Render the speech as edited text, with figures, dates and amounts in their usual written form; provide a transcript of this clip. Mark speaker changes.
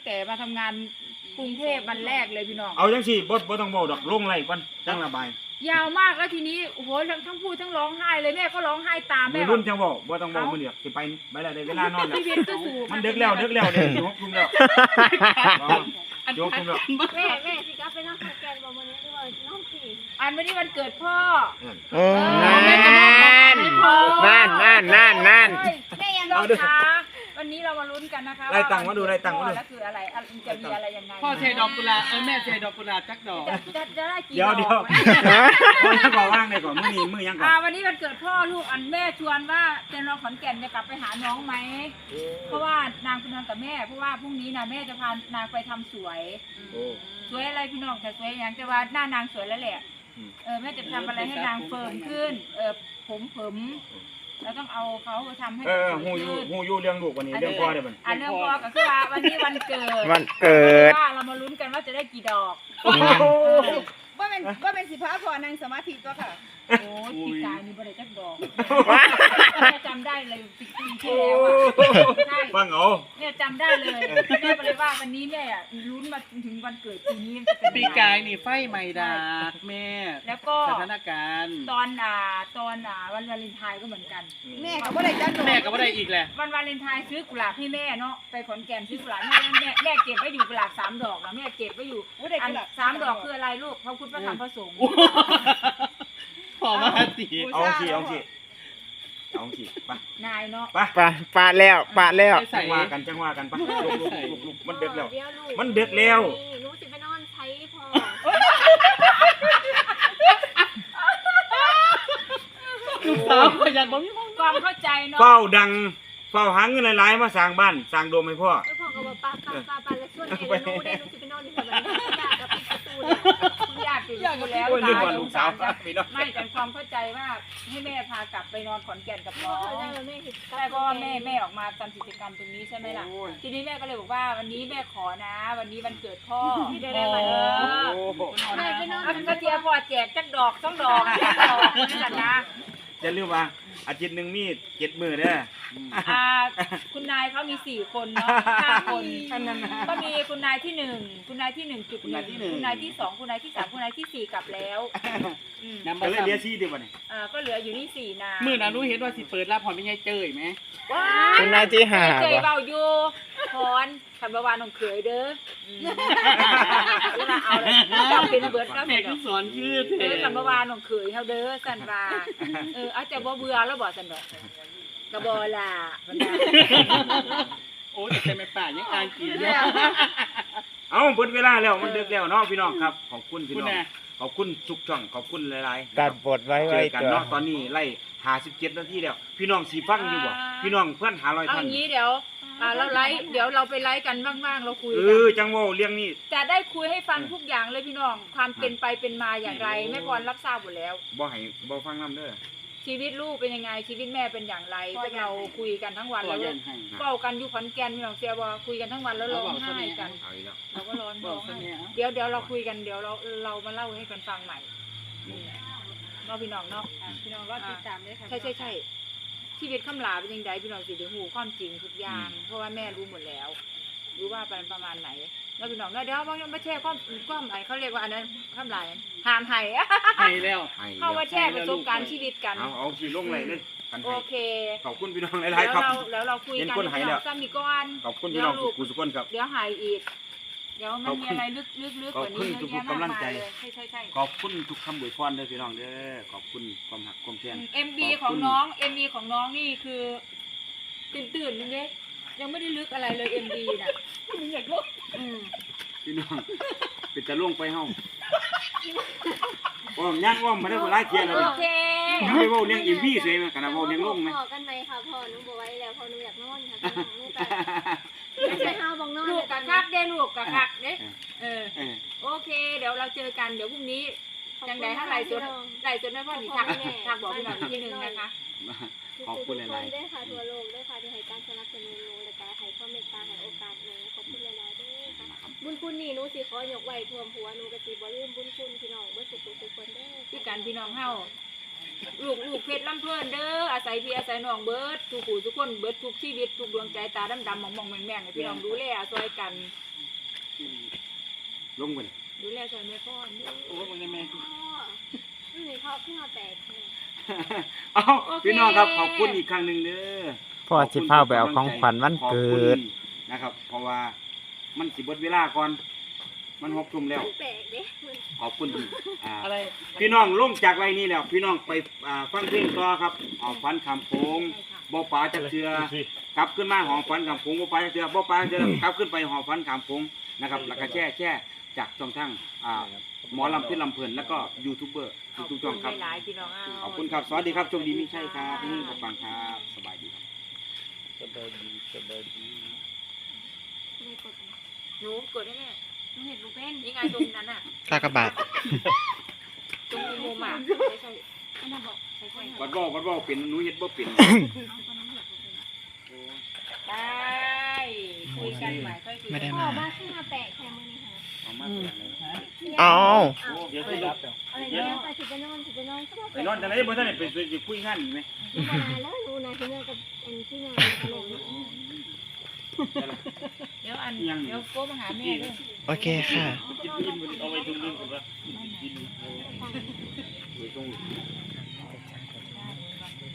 Speaker 1: แต่มาทำงานกรุงเทพวันแรกเลยพี่น้อง
Speaker 2: เอาจังสิบ่ต้องเว้าดอกลงไล่ก่อนจังระบาย
Speaker 1: ยาวมากแล้วทีนี้โอ้โหทั้งพูดทั้งร้องไห้เลยแม่ก็ร้องไห้ตามแม่
Speaker 2: รุ่นจังเว้าบ่ต้องเว้ามื้อเดียวสิไปแล้วได้เวลานอนแล้วมันดึกแล้วเด้ยกทุ่มแล้วยกทุ่มแล้ว
Speaker 3: แม่สิกลับไปนอนขอนแก่นบ่มื้อนี้ด้วยน้องสิ
Speaker 1: อันวันนี้วันเกิดพ่อ
Speaker 4: นั่นแม่ยัง
Speaker 1: น้องคะวันนี้เรามาลุ้นกันนะคะ
Speaker 2: ไล่ตังค์มาดูแล้ว
Speaker 1: คืออะไรจะมีอะไรยังไง
Speaker 5: พ่อเทดอกกุหลาบแม่เทดอกกุหลาบจักดอก
Speaker 1: จะได้กี่
Speaker 2: ดอกเดี๋ยวพ่อจะบอกว่างได้ก่อนมื้อยังก่อน
Speaker 1: วันนี้วันเกิดพ่อลูกอันแม่ชวนว่าเจนเราขอนแก่นจะกลับไปหาน้องไหมเพราะว่านางคุณนอนกับแม่เพราะว่าพรุ่งนี้นะแม่จะพานางไปทำสวยอะไรพี่น้องแต่สวยอย่างแต่ว่าหน้านางสวยแล้วแหละแม่จะทำอะไรให้นางเฟิร์มขึ้นผมแล้วต้องเอาเขาทำให้
Speaker 2: ฮู้อยู่เรื่องลูกวันนี้เรื่องพ่อได้บ่
Speaker 1: เรื่องพ่อก็คือว่าวันนี้วันเกิดว่าเรามาลุ้นกันว่าจะได้กี่ดอก
Speaker 4: ว่าเป็นสิพาพอนางสมาธิตัวค่ะ
Speaker 1: โอ้ยปีกายมีบริจักดอกจำได้เลยปีที่แล้วใช่
Speaker 2: ฟังเอา
Speaker 1: เนี่ยจำได้เลยแม่เลยว่าวันนี้แม่ลุ้นมาถึงวันเกิดปีนี้
Speaker 5: ปีกายนี่ไฟไหม้ดากแม่
Speaker 1: แล้วก็
Speaker 5: สถานการณ์
Speaker 1: ตอนวันวาเลนไทน์ก็เหมือนกัน
Speaker 4: แม่ก็บ่ได้จัด
Speaker 5: แม่ก็บ่ได้อีกแหละ
Speaker 1: วันวาเลนไทน์ซื้อกุหลาบให้แม่เนาะไปขอนแก่นซื้อกุหลาบให้แม่เก็บไว้อยู่กุหลาบ3 ดอกนะแม่เก็บไว้อยู่อัน3 ดอกคืออะไรลูกพระพุทธพระธรรมพระสงฆ์
Speaker 5: พอมาสิ
Speaker 2: เอาสิไป
Speaker 1: นายเนาะ
Speaker 4: ไปปาแล้ว
Speaker 2: จังว่ากันไปลุกมันดึกแล้ว
Speaker 3: หนูสิไปนอนใช้พอ
Speaker 5: ลูกสาวก็อยากบ่มี
Speaker 1: ความเข้าใจเนาะ
Speaker 2: เฝ้าดังเฝ้าหาเงินหลายๆมาสร้างบ้านสร้างโดมให้พ่อ
Speaker 3: พ่อก็บอกป้าแล้วส่วนเองหนูสิไปนอนที่แบบนี้อยากกับปิดประตู
Speaker 1: คุณญาติปิดประตูแล้ว
Speaker 2: ลูกสาว
Speaker 1: ไม่แต่ความเข้าใจว่าให้แม่พากลับไปนอนขอนแก่นกับน้องแต่ก็แม่ออกมาทำกิจกรรมตรงนี้ใช่ไหมล่ะทีนี้แม่ก็เลยบอกว่าวันนี้แม่ขอนะวันนี้วันเกิดพ่อได้มาก็เจียพ่อแจกจักดอก2 ดอกนี่กันนะ
Speaker 2: จะเรียกว่าอาทิตย์นึงมี7 มื้อเด้อ
Speaker 1: คุณนายเขามี4 คนเนาะ5 คนก็มีคุณนายที่1คุณนายที่ 1.1คุณนายที่2คุณนายที่3คุณนายที่4กลับแล้ว
Speaker 2: ก็เลยเหลือ4ดิบ่นี่
Speaker 1: ก็เหลืออยู่นี่4นาง
Speaker 5: มื้อนั้นรู้เห็นว่าสิเปิดรับพรเป็นไงเจ้ยมั้ย
Speaker 4: คุณนายที่5
Speaker 1: เจ้ยเว้าอยู่พรคันบ่ว่าน้องเขยเด้อเอาเลยจับเป็นเบิดแล้ว
Speaker 5: แม่ก็สอนคือ
Speaker 1: เด้อคันบ่ว่าน้องเขยเฮาเด้อซั่นว่าอาจจะบ่เบื่อแล้วบ่ซั่นดอกก็บ่ล่ะ
Speaker 5: โอ้ยแต่แม่ป่ายังอ่านกินอยู่
Speaker 2: เอาเบิดเวลาแล้วมันดึกแล้วเนาะพี่น้องครับขอบคุณพี่น้องขอบคุณทุกช่องขอบคุณหลายๆ
Speaker 4: ตัดบทไว้
Speaker 2: กันเนาะตอนนี้ไล่57 นาทีแล้วพี่น้องสิฟังอยู่บ่พี่น้องเพิ่น500 ท่าน
Speaker 1: เอางี้เดี๋ยวเราไลฟ์เดี๋ยวเราไปไลฟ์กันบ้างๆเราคุยกัน
Speaker 2: จังว่าเรื่องนี้
Speaker 1: จะได้คุยให้ฟังทุกอย่างเลยพี่น้องความเป็นไปเป็นมาอย่างไรแม่พรรับทราบหมดแล้ว
Speaker 2: บ่ฟังนำเด้อ
Speaker 1: ชีวิตลูกเป็นยังไงชีวิตแม่เป็นอย่างไรพวกเราคุยกันทั้งวันแล้วเฝ้ากันอยู่ขอนแก่นพี่น้องเสียบ่คุยกันทั้งวันแล้วร้องไห้กันเราก็ร้องไห้เดี๋ยวเราคุยกันเดี๋ยวเรามาเล่าให้กันฟังใหม่เนาะพี่น้องเนาะ
Speaker 3: พี่น้องรอติดตามด้วยค่ะ
Speaker 1: ใช่ชีวิตคำลาเป็นยังไงพี่น้องสิเดี๋ยวหูความจริงทุกอย่างเพราะว่าแม่รู้หมดแล้วรู้ว่าเป็นประมาณไหนแล้วพี่น้องเดี๋ยวบางอย่างมาแชร์ความอะไรเขาเรียกว่าอันนั้นคำลาหามไห้
Speaker 5: แล้ว
Speaker 1: เข้ามาแชร์ประสบการณ์ชีวิตกัน
Speaker 2: เอาสิลงเลย
Speaker 1: โอเค
Speaker 2: ขอบคุณพี่น้องหลายๆครับ
Speaker 1: แล้วเราคุยกันซ้ำอีกก้อน
Speaker 2: ขอบคุณพี่น้องทุกคนครับ
Speaker 1: เดี๋ยวหายอีกเดี๋ยวมันมีอะไรลึกๆกว่านี้
Speaker 2: ขอบคุณทุกกำลังใจขอบคุณทุกคำอวยพรเด้อพี่น้องเด้อขอบคุณความหักความแพง
Speaker 1: MB ของน้องนี่คือตื่นนึงเด้ยังไม่ได้ลึกอะไรเลย MB น่ะมึงอยากลุก
Speaker 2: พี่น้องเป็นจะล่วงไปเฮาย่างมาได้บ่หลายเที่ยแล้วโอเคยังไม่เว้าเรื่อง MB สวยมั้ยกันนะเว้าเรื่องลงมั้ย
Speaker 3: พอกันมั้ยค่ะพ่อหนูบ่ไหวแล้วพ่อหนูอยากนอนค่ะหนูก็ใช่เฮาบ่นอน
Speaker 1: ลูกกะคักเด้ลูกกะคักเด้โอเคเดี๋ยวเราเจอกันเดี๋ยวพรุ่งนี้จังได๋ถ้าไลฟ์สดแม่พ่อนี่ทักบอกพี่น้องอีกทีนึงนะคะ
Speaker 2: ขอบคุณหลาย
Speaker 3: ๆด้วยค่ะทั่วโลกด้วยค่ะที่ให้การสนับสนุนหนูและก็ให้ความเมตตาให้โอกาสหนูขอบคุณหลายๆด้วยค่ะบุญคุณนี่หนูสิขอยกไว้ท่วมหัวหนูก็สิบ่ลืมบุญคุณพี่น้องเบิดทุกคนเด้อ
Speaker 1: ที่กันพี่น้องเฮาลูกเพชรลำเพิ่นเด้ออาศัยพี่อาศัยน้องเบิดทุกผู้ทุกคนเบิดทุกชีวิตทุกดวงใจตาดำๆมองๆแม่งๆให้พี่น้องดูแลซอยกัน
Speaker 2: ลงไป
Speaker 1: ดูแลซอยแม่พ่อเด้อ
Speaker 5: โอ้ยมันยังไง
Speaker 3: พ่อนี่เขาเพิ่งมาแตกเลย
Speaker 2: เอาพี่น้องครับขอบคุณอีกครั้งหนึ่งเด้อ
Speaker 6: พ่อสิพาไปเอาของขวัญวันเกิด
Speaker 2: ขอบคุณนะครับ เพราะว่ามันสิเบิดเวลาก่อนมัน6 ทุ่มแล้ว
Speaker 3: มันแตกเด้มัน
Speaker 2: ขอบคุณ
Speaker 5: อะไร
Speaker 2: พี่น้องลงจากไรนี้แล้วพี่น้องไปฟังเพลงต่อครับเอาฟันคำโค้งบ่ปลาจักเทือกลับขึ้นมาหอฟันคำโค้งบ่ปลาจักเทือบ่ปลาจักเทือกลับขึ้นไปหอฟันคำโค้งนะครับแล้วก็แช่จากช่องทางหมอลำเพื่อนลำเพลินแล้วก็ยูทูบเบอร์ทุกช่องครับ
Speaker 1: หลายๆพี่น้อง
Speaker 2: ขอบคุณครับสวัสดีครับโชคดีไม่ใช่ครับนี่ฟังครับสบายดีครับ
Speaker 3: ไม่กดนะ
Speaker 1: หนูกดได้แม่
Speaker 3: หนูเห็นรูเป็น
Speaker 1: ยังไงตรงนั้นอ่ะ
Speaker 6: กากบาท
Speaker 1: ตรงมุมอ่ะใส่
Speaker 3: อันนั้นบอกใส่ใส่
Speaker 2: วัดบ่เป็นหนูเฮ็ดบ่เป็น
Speaker 3: เอาคนนั้นเห็นรูเป็น
Speaker 1: ได้คุยกันใหม่ค่อยคุย
Speaker 6: ไม่ได้
Speaker 3: พ่อ
Speaker 6: มา
Speaker 3: บ้าขึ้นมาแตกแค่มือนี่ค่ะ
Speaker 2: เอามาเสียเลย
Speaker 6: เอา
Speaker 5: เดี๋ยวขึ้นรับ
Speaker 3: อะไรเนี่ยไปสิไปนอนก็บอก
Speaker 2: ไปนอนจังได๋บ่ทันได้ไปคุยงานอีกไหม
Speaker 3: มาแล้วดูนะที่เมื่อกับอันที่งานตลก
Speaker 1: เดี๋ยวโก้มาหาแม่ด้วย
Speaker 6: โอเคค่ะ
Speaker 2: กินอิ่มบ่